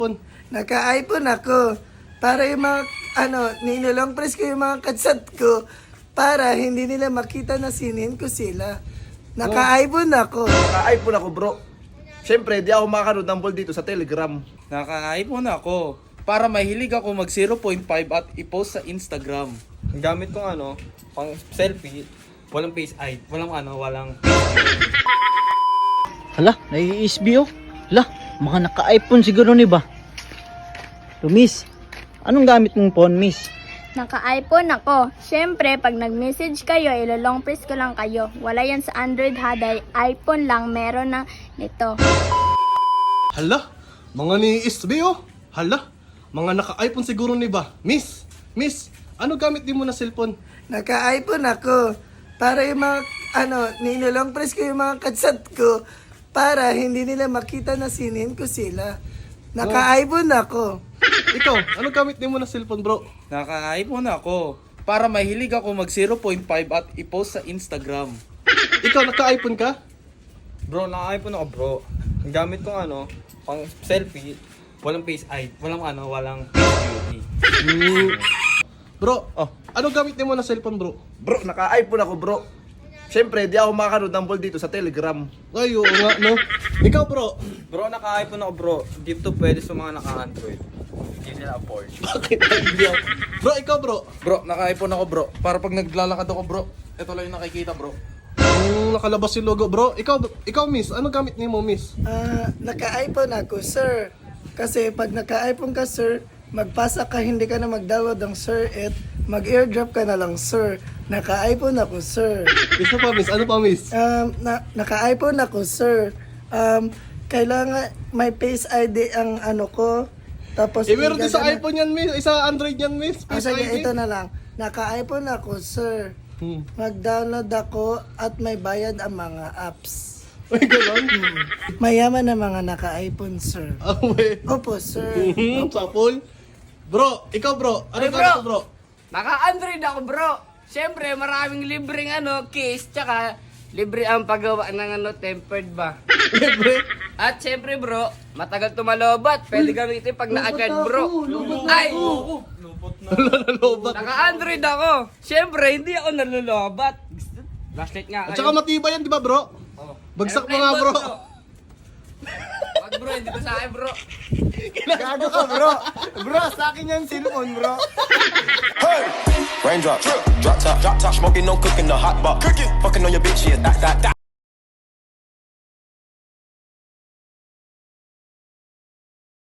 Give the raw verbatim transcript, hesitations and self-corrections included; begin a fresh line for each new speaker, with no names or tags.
Naka-iPhone ako. Para yung mga, ano, ninulong press ko yung mga katsat ko para hindi nila makita na sinin ko sila. Naka-iPhone ako.
Naka-iPhone ako, bro. Siyempre, di ako makakanood ng ball dito sa Telegram.
Naka-iPhone ako para mahilig ako mag zero point five at i-post sa Instagram.
Ang gamit kong ano, pang selfie, walang face I D, walang ano, walang...
Hala, nai-S B oh. Hala, mga naka-iPhone siguro ni ba? So, miss, anong gamit mong phone, miss?
Naka-iPhone ako. Siyempre, pag nag-message kayo, ilo-long press ko lang kayo. Wala yan sa Android ha, dahil iPhone lang meron na nito.
Hala, mga ni S B oh. Hala, mga naka-iPhone siguro ni ba? Miss, miss, ano gamit din mo na cellphone?
Naka-iPhone ako. Para yung mga, ano, ninulong press ko yung mga katsat ko para hindi nila makita na sinin ko sila. Naka-iPhone ako.
Ikaw, ano gamit din mo na cellphone, bro?
Naka-iPhone ako para mahilig ako mag zero point five at i-post sa Instagram.
Ikaw, naka-iPhone ka?
Bro, naka-iPhone ako, bro. Ang gamit kong ano, pang selfie, walang face I D, walang ano, walang beauty.
Bro, oh, ano gamit din mo na cellphone, bro? Bro, naka-iPhone ako, bro. Siyempre, di ako makakanood ng ball dito sa Telegram. Ay, oo nga, no? Ikaw, bro.
Bro, naka-iPhone ako, bro. Dito pwede sa mga naka-Android. Hindi nila afford.
Bakit hindi ako? Bro, ikaw, bro.
Bro, naka-iPhone ako bro para pag naglalakad ako bro, ito lang yung nakikita bro.
Yung nakalabas yung logo, bro. Ikaw, ikaw, miss, ano gamit ni mo, miss?
Ah, naka-iPhone ako, sir. Kasi pag naka-iPhone ka, sir, magpasa ka, hindi ka na mag-download ng sir, at mag-airdrop ka na lang, sir. Naka-iPhone ako, sir.
Isa pa, miss. Ano pa, miss?
Um, na, naka-iPhone ako, sir. Um, kailangan may Face I D ang ano ko. Tapos
Eh, meron din sa
igagana-
iPhone yan, miss. Isa Android yan, miss.
Ah,
Face
sige,
I D.
ito na lang. Naka-iPhone ako, sir.
Hmm.
Mag-download ako at may bayad ang mga apps.
Ay, gano'n?
Mayaman na mga naka-iPhone, sir.
Ah, wait.
Opo, sir.
Hmm, sapol. Bro, ikaw, bro. Ano
Ay,
gamit
bro.
mo, bro?
Naka-Android ako, bro. Siyempre, maraming libreng ano, case, tsaka libre ang paggawa ng ano, tempered ba.
Libre.
At siyempre, bro, matagal tumalobat. Pwede gamitin pag na-charge, bro. Ay!
Nalalobat.
Naka-Android ako. Siyempre, hindi ako nalulobat. Flashlight nga
At saka matibay yan, di ba, bro? Bagsak mo nga, bro.
Wag, bro, hindi ko sa akin, bro.
Gago ka, bro. Bro, sa akin yan cellphone, bro.
Raindrop, drop top, drop top, smoking, no cooking, the hot pot, cooking, fucking on your bitch, yeah, that, that, that.